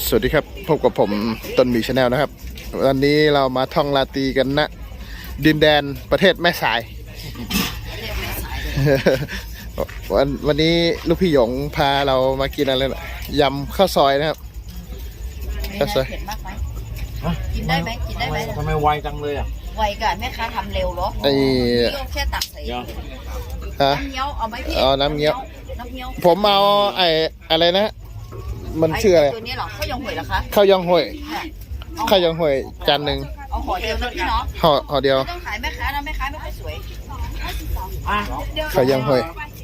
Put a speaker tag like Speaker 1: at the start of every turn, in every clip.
Speaker 1: สวัสดีครับพบกับผมต้นหมีชาแนลนะครับวันนี้เรามาท่องลาตรีกันนะดินแดนประเทศแม่สาย วันนี้ลูกพี่หยงพาเรามากินอะไรนะยำข้าวซอยนะครับข้าวซอย
Speaker 2: เผ็ดมากไหมกินได้ไหมกินได้ไหม
Speaker 3: ทำไมไวจังเลยอ่ะ
Speaker 2: ไวกันแม่ค้าทำเร็วเหรอ
Speaker 1: ไอ้
Speaker 2: พี่ก็แค่ตักใส่
Speaker 1: ฮะ
Speaker 2: น้ำเงี้ยวเอาไหมพี่
Speaker 1: เอาน้ำเงี้ยว
Speaker 2: น้ำเงี้ยว
Speaker 1: ผมเอาไอ้อะไรนะมันชื่ออะไร
Speaker 2: ตัวนี้เหรอข้าวยองหวยเหรอคะ
Speaker 1: ข้าวยองห่วย
Speaker 2: ค่ะ
Speaker 1: ข้าวยองห่วยจานหนึ่ง
Speaker 2: เอาห่อเดียวนะพี่เนาะ
Speaker 1: ห่อเดียว
Speaker 2: ไม่ต้องขายแม่ค้านะแม่ค้าไม่ค่อยสวย
Speaker 1: ข้าวยองห่วย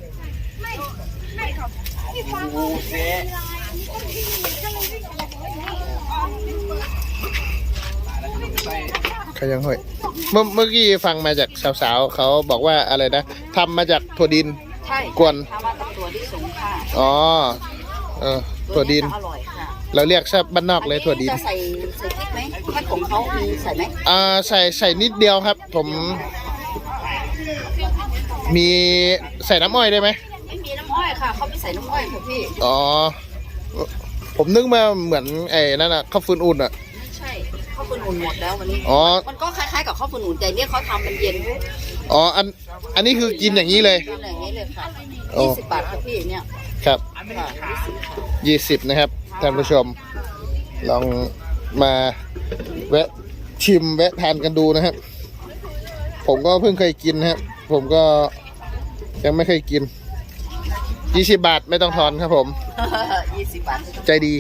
Speaker 1: ข้าวยองห่วยเมื่อกี้ฟังมาจากสาวๆเขาบอกว่าอะไรนะทำมาจากถั่วดิน
Speaker 2: ใช่
Speaker 1: กวน
Speaker 2: ทำมาจากตัวที่สูงค่ะ
Speaker 1: อ๋อถั่วดิน
Speaker 2: อร่อยค่ะ
Speaker 1: เราเรียกแซ่บบ้านนอกเลยถั่วดิน
Speaker 2: จะใส่พริกไหมถ้าของเขามีใส่ไหม
Speaker 1: ใส่นิดเดียวครับ ผมมีใส่น้ำอ้อยได้ไหม
Speaker 2: ไม่มีน้ำอ้อยค่ะเขาไม่ใส่น้ำอ้อยค่ะพี่
Speaker 1: อ๋อผมนึกมาเหมือนไอ้นั่นอะข้าวฟืนอุ่นอะ
Speaker 2: ไม่ใช่ข้าวฟืนอุ่นหมดแล้ววันนี้
Speaker 1: อ๋อ
Speaker 2: มันก็คล้ายๆกับข้าวฟืนอุ่นแต่เนี่ยเขาทำมันเย็น
Speaker 1: อ๋ออันนี้คือกินอย่างนี้เลย
Speaker 2: กินอย่างนี้เลยค่ะ
Speaker 1: โอ้
Speaker 2: 20 บาทค่ะพี่เนี่ย
Speaker 1: ครับ
Speaker 2: ค่ะ20ค่ะ
Speaker 1: 20นะครับท่านผู้ชมลองมาแวะชิมแวะทานกันดูนะครับผมก็เพิ่งเคยกินนะครับผมก็ยังไม่เคยกิน20 บาทไม่ต้องทอนครับผม
Speaker 2: 20 บาท
Speaker 1: ใจดี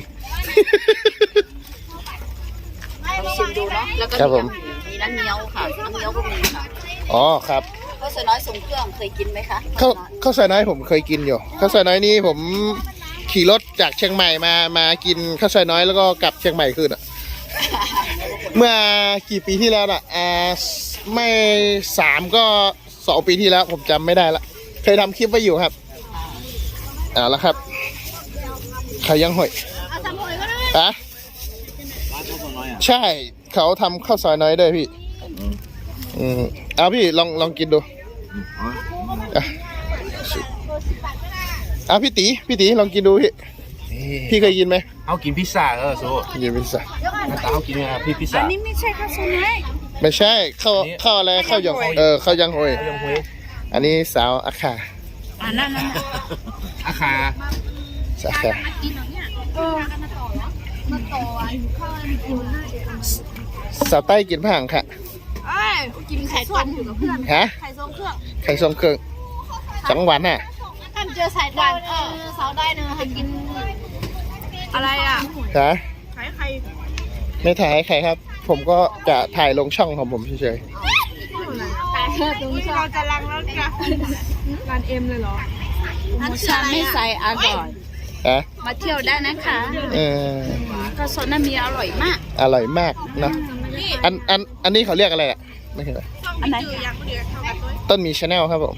Speaker 2: ลองชิมดูเนาะแล้วก็
Speaker 1: ครับผม
Speaker 2: มีน้ำเงี้ยวค่ะน้ำเงี้ยวก็มีค่ะ
Speaker 1: อ๋อครับ
Speaker 2: ข้าวสวยน้อยทรงเครื่องเคยกินไหมคะ
Speaker 1: ข้าวซอยน้อยผมเคยกินอยู่ข้าวซอยน้อยนี่ผมขี่รถจากเชียงใหม่มากินข้าวซอยน้อยแล้วก็กลับเชียงใหม่คืนอ่ะ เมื่อกี่ปีที่แล้วน่ะไม่3ก็2 ปีที่แล้วผมจำไม่ได้ละเคยทำคลิปไว้อยู่ครับเอาละครับใครยังห่วยอะ
Speaker 3: ร้านข้าวซอยน้อยอ่ะ
Speaker 1: ใช่เขาทำข้าวซอยน้อยด้วยพี่เอาพี่ลองกินดูอ่ะพี่ตีลองกินดูพี่เคยกินไหม
Speaker 3: เอากินพิซซ่าโซ่
Speaker 1: กินพิซซ่า
Speaker 3: เอากินพี่พิซซ่า
Speaker 2: นี่ไม่ใช่ข้าวสวยน้อย
Speaker 1: ไม่ใช่ข้าวอะไรข้าวยังข้าวยังห่วย
Speaker 3: เอายังหวย
Speaker 1: อันนี้สาวอาคา
Speaker 2: นั่น
Speaker 3: อาคา
Speaker 1: สาวอาคาสาวใต้กินผังค่ะ
Speaker 2: กินไข่ต้มอยู่กับเพื่อน
Speaker 1: ฮะ
Speaker 2: ไข่ทรงเครื่อง
Speaker 1: ไข่ทรงเครื่องจังหวัดน่ะ
Speaker 2: ท่านเจอสายด่านสาวได้เนอะให้กินอะไรอ่ะ
Speaker 1: ฮะ
Speaker 2: ไข่ไข่
Speaker 1: ไม่ถ่ายให้ใครครับ ผมก็จะถ่ายลงช่องของผมเฉย
Speaker 2: เราจะลังแล้วจ้ะ
Speaker 4: ร้านเอ็มเลยเหรอ
Speaker 2: ท่านชื่ออะไรไม่ใส่อร่อย
Speaker 1: ๆฮะ
Speaker 2: มาเที่ยวได้นะคะ
Speaker 1: เออ
Speaker 2: ข้าวซอยน้ำมีอร่อยมาก
Speaker 1: อร่อยมากเนอะอันนี้เขาเรียกอะไรอ่ะไม่ใช่อะไร
Speaker 2: อันไหน
Speaker 1: ต้นมีชาแนลครับผม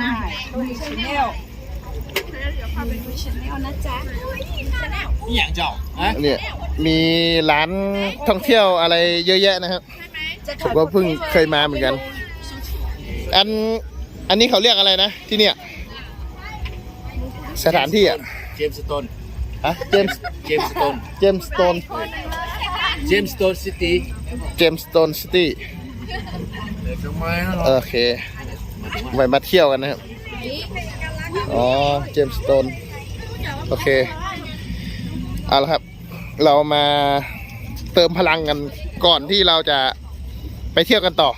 Speaker 3: นี่อย่างเจ้าฮะ
Speaker 1: เนี่ยมีร้านท่องเที่ยวอะไรเยอะแยะนะครับผมก็เพิ่งเคยมาเหมือนกัน อันนี้เขาเรียกอะไรนะที่เนี่ยสถานที่อ่ะ
Speaker 3: เจมส์สโตน
Speaker 1: อะเจมส์
Speaker 3: เจมส์สโตน
Speaker 1: เจมส์สโตน
Speaker 3: เจมส์สโตนซิตี้
Speaker 1: เจมส์สโตนซิตี้
Speaker 3: ทำไมนะ
Speaker 1: โอเคไว้มาเที่ยวกันนะครับอ๋อเจมส์สโตนโอเคเอาละครับ เรามาเติมพลังกันก่อนที่เราจะไปเที่ยวกันต่อ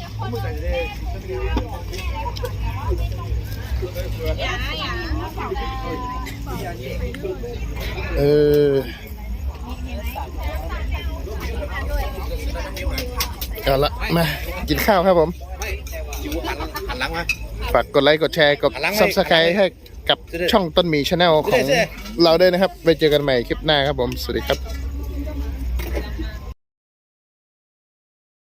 Speaker 1: เอาละมากินข้าวครับผม
Speaker 3: หันหลังมา
Speaker 1: ฝากกดไลค์กดแชร์กด
Speaker 3: หลังให้
Speaker 1: Subscribe ให้กับช่องต้นหมีชาแนลของเราด้วยนะครับ ไปเจอกันใหม่คลิปหน้าครับผม สวัสดีครับ